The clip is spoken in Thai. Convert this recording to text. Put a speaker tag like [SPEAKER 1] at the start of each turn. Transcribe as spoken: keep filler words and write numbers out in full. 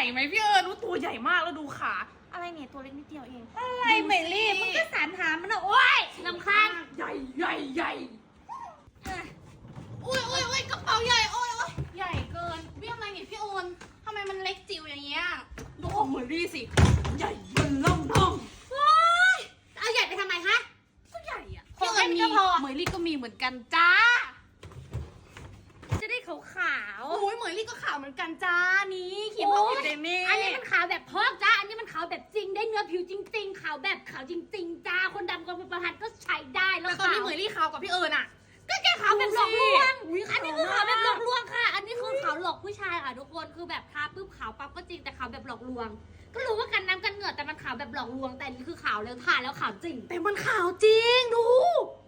[SPEAKER 1] ไหมพี่เอิญรู้ตัวใหญ่มากแล้วดูขาอะไรเนี่ยตัวเล็กนิดเดียวเอง
[SPEAKER 2] อะไรเมลี่มึงก็สารหามันนะโอ๊ยลำคาญ
[SPEAKER 1] ใหญ่ใหญ่ใหญ่อุ้ยอุ้ยอุ้ยกระเป๋าใหญ่โอ้ยโอ้ยใหญ่เกินพี่อะไรเนี่ยพี่โอนทำไมมันเล็กจิ๋วอย่างเงี้ยดูของเหมือนรี่สิใหญ่เบิ่นล่องท่อง
[SPEAKER 2] ว้ายเอาใหญ่ไปทำไมคะ
[SPEAKER 1] ก็ใหญ่อะ
[SPEAKER 2] พี่
[SPEAKER 1] พี่
[SPEAKER 2] เอิ
[SPEAKER 1] เอิ
[SPEAKER 2] ญ
[SPEAKER 1] ญ
[SPEAKER 2] มี
[SPEAKER 1] มีเหมยลี่ก็มีเหมือนกันจ้า
[SPEAKER 2] จะได้ขาวขาว
[SPEAKER 1] โอ้ยเหมยลี่ก็ขาวเหมือนกันจ้านี่ขีด
[SPEAKER 2] โอ้
[SPEAKER 1] พอย อยู่เดเม่
[SPEAKER 2] อันนี้มันขาวแบบพอกจ้าอันนี้มันขาวแบบจริงได้เนื้อผิวจริง ๆ ขาวแบบขาวจริง ๆ จ้าคนดำกับประทัดก็ใช้ได้แล้ว
[SPEAKER 1] แต่ตอน
[SPEAKER 2] ขาว
[SPEAKER 1] นี้เหมยลี่ขาวกว่าพี่เอิญอะ
[SPEAKER 2] ก็แค่ขาวแบบหลอกลวง
[SPEAKER 1] อุ๊ย
[SPEAKER 2] อันนี้
[SPEAKER 1] ขาว
[SPEAKER 2] คือขาวแบบหล
[SPEAKER 1] มา
[SPEAKER 2] อก กลวงค่ะ อันนี้คือขาวหลอกผู้ชายค่ะทุกคนคือแบบทาปุ๊บขาวปั๊บก็จริงแต่ขาวแบบหลอกลวง ก็รู้ว่ากันน้ำกันเหงื่อแต่มันขาวแบบหลอกลวงแต่อันนี่คือขาวแล้วทาแล้วขาวจริง
[SPEAKER 1] แต่มันขาวจริงดู